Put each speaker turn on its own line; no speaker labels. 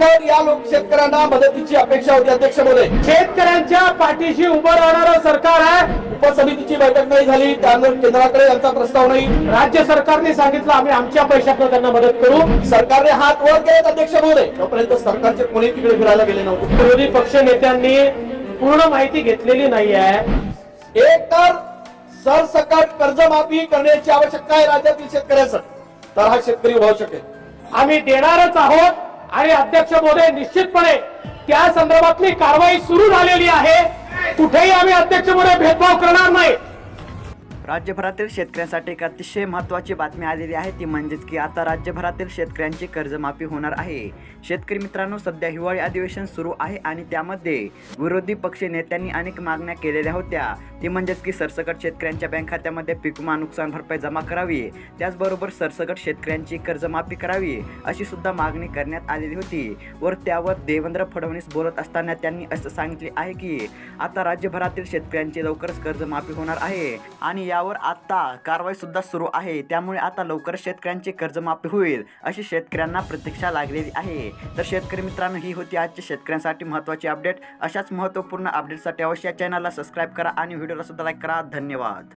तर या लोक शेतकऱ्यांना मदतीची अपेक्षा होती अध्यक्ष महोदय।
शेतकऱ्यांच्या पाठीशी उभं राहणारं सरकार आहे।
उपसमितीची बैठक नाही झाली, त्यानंतर केंद्राकडे यांचा प्रस्ताव नाही।
राज्य सरकारने सांगितलं आम्ही आमच्या पैशातून त्यांना मदत करू।
सरकारने हात वर केलेत अध्यक्ष महोदय, तोपर्यंत सरकारचे कोणी तिकडे फिरायला गेले नव्हते।
विरोधी पक्ष नेत्यांनी पूर्ण माहिती घेतलेली नाही आहे।
एक तर सरसकट कर्जमाफी करण्याची आवश्यकता आहे राज्यातील शेतकऱ्यांचं, तर हा शेतकरी उभा शकेल।
आम्ही देणारच आहोत आणि अध्यक्ष महोदय निश्चितपणे त्या संदर्भातली कारवाई सुरू झालेली आहे। कुठेही आम्ही अध्यक्ष महोदय भेदभाव करणार नाही।
राज्यभरातील शेतकऱ्यांसाठी एक अतिशय महत्त्वाची बातमी आलेली आहे, ती म्हणजेच की आता राज्यभरातील शेतकऱ्यांची कर्जमाफी होणार आहे। शेतकरी मित्रांनो, सध्या हिवाळी अधिवेशन सुरू आहे आणि त्यामध्ये विरोधी पक्ष नेत्यांनी अनेक मागण्या केलेल्या होत्या, ती म्हणजेच की सरसकट शेतकऱ्यांच्या बँक खात्यामध्ये पीक विमा नुकसान भरपाई जमा करावी, त्याचबरोबर सरसकट शेतकऱ्यांची कर्जमाफी करावी अशी सुद्धा मागणी करण्यात आलेली होती। वर त्यावर देवेंद्र फडणवीस बोलत असताना त्यांनी असं सांगितले आहे की आता राज्यभरातील शेतकऱ्यांची लवकरच कर्जमाफी होणार आहे आणि यावर आता कारवाई सुद्धा सुरू आहे, त्यामुळे आता लवकरच शेतकऱ्यांची कर्जमाफी होईल अशी शेतकऱ्यांना प्रतीक्षा लागलेली आहे। तर शेतकरी मित्रांनो, ही होती आजची शेतकऱ्यांसाठी महत्त्वाची अपडेट। अशाच महत्त्वपूर्ण अपडेटसाठी अवश्य चॅनलला सबस्क्राईब करा आणि व्हिडिओला सुद्धा लाईक करा। धन्यवाद।